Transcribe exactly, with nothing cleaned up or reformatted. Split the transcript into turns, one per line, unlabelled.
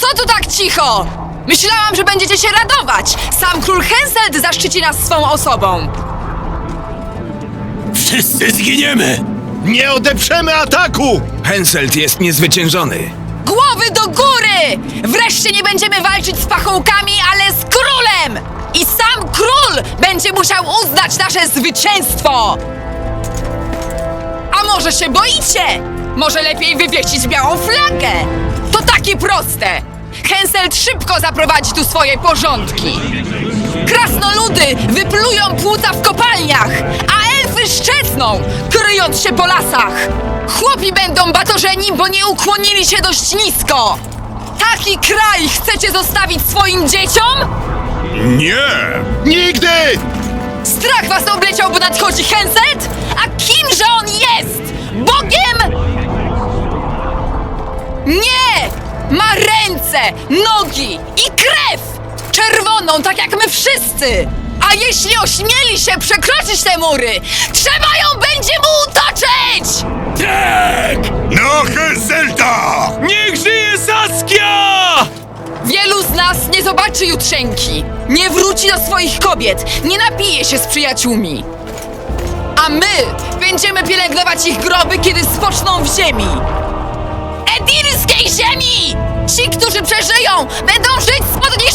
Co tu tak cicho? Myślałam, że będziecie się radować! Sam król Henselt zaszczyci nas swą osobą!
Wszyscy zginiemy!
Nie odeprzemy ataku!
Henselt jest niezwyciężony.
Głowy do góry! Wreszcie nie będziemy walczyć z pachołkami, ale z królem! I sam król będzie musiał uznać nasze zwycięstwo! A może się boicie? Może lepiej wywiesić białą flagę? To takie proste! Henselt szybko zaprowadzi tu swoje porządki! Krasnoludy wyplują płuca w kopalniach, a elfy szczecną, kryjąc się po lasach! Chłopi będą batorzeni, bo nie ukłonili się dość nisko! Taki kraj chcecie zostawić swoim dzieciom?
Nie! Nigdy!
Strach was obleciał, bo nadchodzi Henselt? A kimże on jest? Bogiem? Nie! Ma ręce, nogi i krew! Czerwoną, tak jak my wszyscy! A jeśli ośmieli się przekroczyć te mury, trzeba ją będzie mu utoczyć!
Tak!
No Henselta!
Niech żyje Saskia!
Wielu z nas nie zobaczy jutrzenki, nie wróci do swoich kobiet, nie napije się z przyjaciółmi. A my będziemy pielęgnować ich groby, kiedy spoczną w ziemi. Edirskiej ziemi! Ci, którzy przeżyją, będą żyć spod